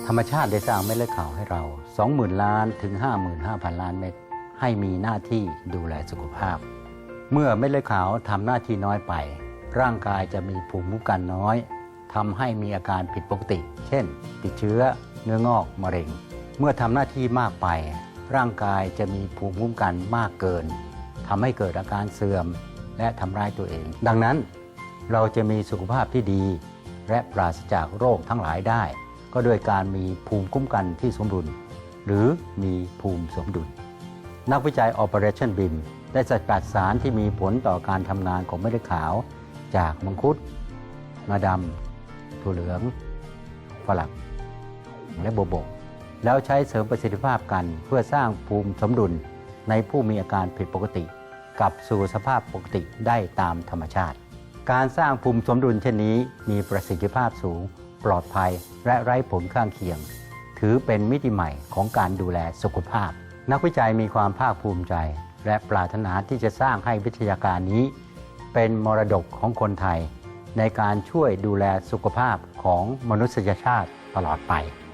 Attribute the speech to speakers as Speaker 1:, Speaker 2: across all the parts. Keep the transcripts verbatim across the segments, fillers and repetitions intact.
Speaker 1: รรมชาติได้สร้างเม็ดเลือดขาวให้เรา สองหมื่น ล้านถึง ห้าหมื่นห้าพัน ล้านเม็ดให้มีหน้าที่ดูแลสุขภาพ เมื่อเม็ดเลือดขาวทำหน้าที่น้อยไปร่างกายจะมีภูมิคุ้มกันน้อยทำให้มีอาการผิดปกติเช่นติดเชื้อเนื้องอกมะเร็งเมื่อทำหน้าที่มากไปร่างกายจะมีภูมิคุ้มกันมากเกินทำให้เกิดอาการเสื่อมและทำร้ายตัวเองดังนั้นเราจะมีสุขภาพที่ดีและปราศจากโรคทั้งหลายได้ก็โดยการมีภูมิคุ้มกันที่สมดุลหรือมีภูมิสมดุลนักวิจัย Operation บี ไอ เอ็ม ได้สกัดสารที่มีผลต่อการทำงานของเม็ดเลือดขาวจากมังคุดงาดำถั่วเหลืองฝรั่งและโบวบกแล้วใช้เสริมประสิทธิภาพกันเพื่อสร้างภูมิสมดุลในผู้มีอาการผิดปกติกลับสู่สภาพปกติได้ตามธรรมชาติการสร้างภูมิสมดุลเช่นนี้มีประสิทธิภาพสูงปลอดภัยและไร้ผลข้างเคียงถือเป็นมิติใหม่ของการดูแลสุขภาพนักวิจัยมีความภาคภูมิใจและปรารถนาที่จะสร้างให้วิทยาการนี้เป็นมรดกของคนไทยในการช่วยดูแลสุขภาพของมนุษยชาติตลอดไป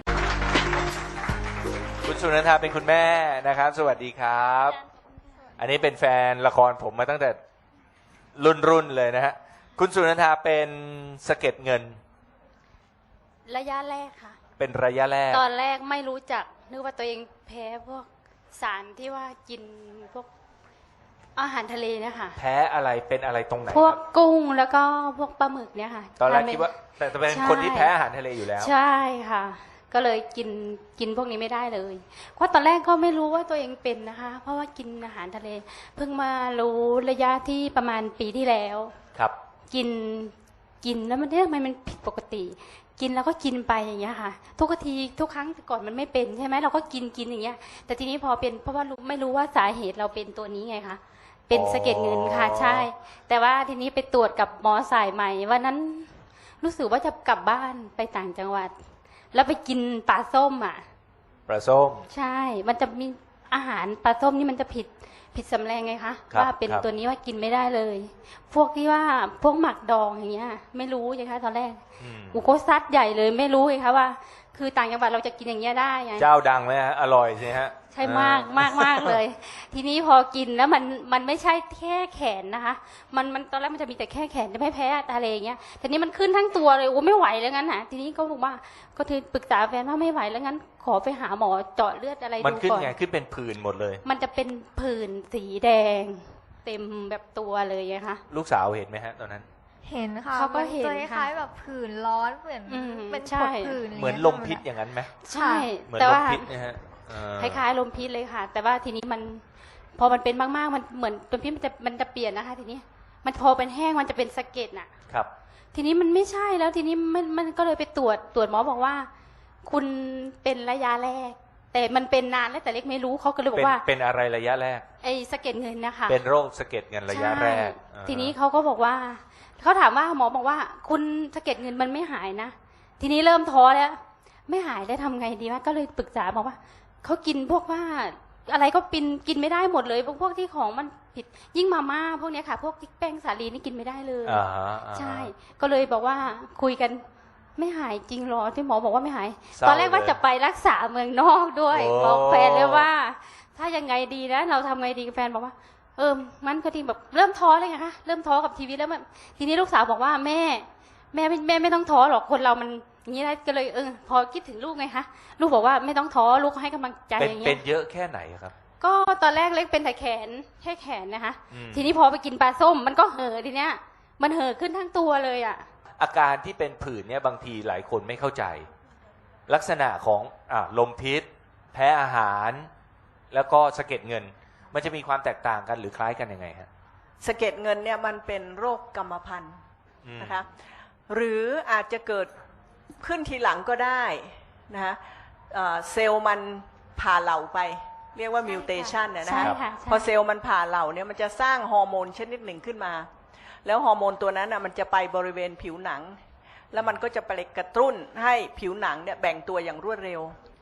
Speaker 2: คุณสุนันทาเป็นคุณแม่นะครับสวัสดีครับอันนี้เป็นแฟนละครผมมาตั้งแต่รุ่นรุ่นเลยนะฮะคุณสุนันทาเป็นสะเก็ดเงิน
Speaker 3: ระยะแรกค่ะ
Speaker 2: เป็นระยะแรก
Speaker 3: ตอนแรกไม่รู้จักนึกว่าตัวเองแพ้พวกสารที่ว่ากินพวกอาหารทะเลเนี่ยค่ะ
Speaker 2: แพ้อะไรเป็นอะไรตรงไหน
Speaker 3: พวกกุ้งแล้วก็พวกปลาหมึกเนี่ยค่ะ
Speaker 2: ตอนแรกคิดว่าแต่เป็นคนที่แพ้อาหารทะเลอยู่แล้ว
Speaker 3: ใช่ค่ะก็เลยกินกินพวกนี้ไม่ได้เลยเพราะตอนแรกก็ไม่รู้ว่าตัวเองเป็นนะคะเพราะว่ากินอาหารทะเลเพิ่งมารู้ระยะที่ประมาณปีที่แล้ว
Speaker 2: ครับ
Speaker 3: กินกินแล้วมันทำไมมันผิดปกติกินแล้วก็กินไปอย่างเงี้ยค่ะทุกทีทุกครั้งก่อนมันไม่เป็นใช่ไหมเราก็กินกินอย่างเงี้ยแต่ทีนี้พอเป็นเพราะว่าไม่รู้ว่าสาเหตุเราเป็นตัวนี้ไงคะเป็นสะเก็ดเงินค่ะใช่แต่ว่าทีนี้ไปตรวจกับหมอสายใหม่วันนั้นรู้สึกว่าจะกลับบ้านไปต่างจังหวัดแล้วไปกินปลาส้มอ่ะ
Speaker 2: ปลาส้ม
Speaker 3: ใช่มันจะมีอาหารปลาส้มนี่มันจะผิดผิดสำแรงไงคะว่าเป็นตัวนี้ว่ากินไม่ได้เลยพวกที่ว่าพวกหมักดองอย่างเงี้ยไม่รู้ไงคะตอนแรกกูก็ซัดใหญ่เลยไม่รู้ไงคะว่าคือต่างจังหวัดเราจะกินอย่างเงี้ยได้ไง
Speaker 2: เจ้าดังไหมฮะอร่อยใช่ฮะ
Speaker 3: ใช่มากมากมากเลยทีนี้พอกินแล้วมันมันไม่ใช่แค่แขนนะคะมันมันตอนแรกมันจะมีแต่แค่แขนจะไม่แพ้ทะเลอย่างเงี้ยทีนี้มันขึ้นทั้งตัวเลยโอ้ไม่ไหวแล้วงั้นนะทีนี้ก็บอกว่าก็คือปรึกษาแฟนว่าไม่ไหวแล้วงั้นขอไปหาหมอเจาะเลือดอะไรดูก่อน
Speaker 2: มันขึ้นไงขึ้นเป็นผื่นหมดเลย
Speaker 3: มันจะเป็นผื่นสีแดงเต็มแบบตัวเลยนะคะ
Speaker 2: ลูกสาวเห็นไหมฮะตอนนั้น
Speaker 4: เห็นค่ะ
Speaker 3: เขาก็เห็น
Speaker 4: คล้ายๆแบบผื่นร้อนเหมือนเป็นผดผื่น
Speaker 2: เหมือนลมพิษอย่างนั้นไหม
Speaker 3: ใช่
Speaker 2: เหมือนลมพิษนะฮะ
Speaker 3: คล้ายๆลมพิษเลยค่ะแต่ว่าทีนี้มันพอมันเป็นมากๆมันเหมือนลมพิษมันจะมันจะเปลี่ยนนะคะทีนี้มันพอเป็นแห้งมันจะเป็นสะเก็ดน่ะ
Speaker 2: ครับ
Speaker 3: ทีนี้มันไม่ใช่แล้วทีนี้มันมันก็เลยไปตรวจตรวจหมอบอกว่าคุณเป็นระยะแรกแต่มันเป็นนานแล้วแต่เล็กไม่รู้เขาก็เลยบอกว่า
Speaker 2: เป็นอะไรระยะแรก
Speaker 3: ไอ้สะเก็ดเงินนะคะ
Speaker 2: เป็นโรคสะเก็ดเงินระยะแรก
Speaker 3: ทีนี้เขาก็บอกว่าเขาถามว่าหมอบอกว่าคุณสะเก็ดเงินมันไม่หายนะทีนี้เริ่มท้อแล้วไม่หายแล้วทำไงดีวะก็เลยปรึกษาบอกว่าเขากินพวกว่าอะไรก็กินกินไม่ได้หมดเลยพวกพวกที่ของมันผิดยิ่งมาม่าพวกนี้ค่ะพวกแป้งสาลีนี่กินไม่ได้เลยใช่ก็เลยบอกว่าคุยกันไม่หายจริงหรอที่หมอบอกว่าไม่หายตอนแรกว่าจะไปรักษาเมืองนอกด้วยบอกแฟนเลยว่าถ้ายังไงดีนะเราทำไงดีแฟนบอกว่าเออมันก็ทีแบบเริ่มท้อเลยไงคะเริ่มท้อกับชีวิตแล้วทีนี้ลูกสาวบอกว่าแม่แม่แม่ไม่ต้องท้อหรอกคนเรามันอย่างนี้นะก็เลยเออพอคิดถึงลูกไงคะลูกบอกว่าไม่ต้องท้อลูกให้กำลังใจอย่างเงี้ย
Speaker 2: เป็นเยอะแค่ไหนครับ
Speaker 3: ก็ตอนแรกเล็กเป็นแต่แขนแค่แขนนะคะทีนี้พอไปกินปลาส้มมันก็เห่อทีเนี้ยมันเห่อขึ้นทั้งตัวเลยอ่ะ
Speaker 2: อาการที่เป็นผื่นเนี่ยบางทีหลายคนไม่เข้าใจลักษณะของอ่าลมพิษแพ้อาหารแล้วก็สะเก็ดเงินมันจะมีความแตกต่างกันหรือคล้ายกันยังไงฮะ
Speaker 5: สะเก็ดเงินเนี่ยมันเป็นโรคกรรมพันธุ์นะคะหรืออาจจะเกิดขึ้นทีหลังก็ได้นะคะเซลล์มันผ่าเหล่าไปเรียกว่ามิวเทชันนะฮะพอเซลล์มันผ่าเหล่าเนี่ยมันจะสร้างฮอร์โมนชนิดหนึ่งขึ้นมาแล้วฮอร์โมนตัวนั้นอ่ะมันจะไปบริเวณผิวหนังแล้วมันก็จะไปกระตุ้นให้ผิวหนังเนี่ยแบ่งตัวอย่างรวดเร็ว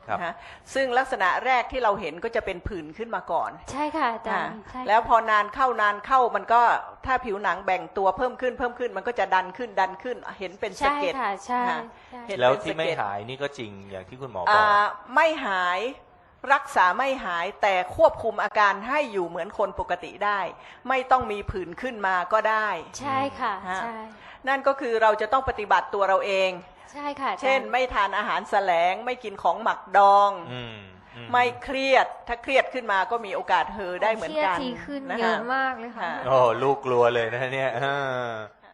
Speaker 2: ครับ
Speaker 5: นะฮะซึ่งลักษณะแรกที่เราเห็นก็จะเป็นผื่นขึ้นมาก่อน
Speaker 3: ใช่ค่ะอาจาร
Speaker 5: อ่า
Speaker 3: ย์ใช่ค่ะ
Speaker 5: แล้วพอนานเข้านานเข้ามันก็ถ้าผิวหนังแบ่งตัวเพิ่มขึ้นเพิ่มขึ้นมันก็จะดันขึ้นดันขึ้นเห็นเป็นสะ
Speaker 3: ใช่
Speaker 5: เก็ด
Speaker 3: ค่ะใช่
Speaker 5: ค่ะ
Speaker 3: ใช่
Speaker 5: เห็น
Speaker 2: แล้ว
Speaker 5: เป็น
Speaker 2: ที่
Speaker 5: สะ
Speaker 2: ไม่
Speaker 5: เก็ด
Speaker 2: หายนี่ก็จริงอย่างที่คุณหมอบอก
Speaker 5: อ่าไม่หายรักษาไม่หายแต่ควบคุมอาการให้อยู่เหมือนคนปกติได้ ไม่ต้องมีผื่นขึ้นมาก็ได้
Speaker 3: ใช่ค่ะ
Speaker 5: ฮะ
Speaker 3: ใช่
Speaker 5: นั่นก็คือเราจะต้องปฏิบัติตัวเราเอง
Speaker 3: ใช่ค่ะอาจารย์
Speaker 5: เช่นไม่ทานอาหารแสลงไม่กินของหมักดอง
Speaker 2: อืมอื
Speaker 5: ไม่เครียดถ้าเครียดขึ้นมาก็มีโอกาสเฮอได้เหมือนกัน
Speaker 4: เครียดทีขึ้น
Speaker 5: นะ
Speaker 4: เย
Speaker 5: คะ
Speaker 4: อะมากเลยค่ะ
Speaker 5: ค่ะ
Speaker 2: โอ้ลูกกลัวเลยนะเนี่ยเออ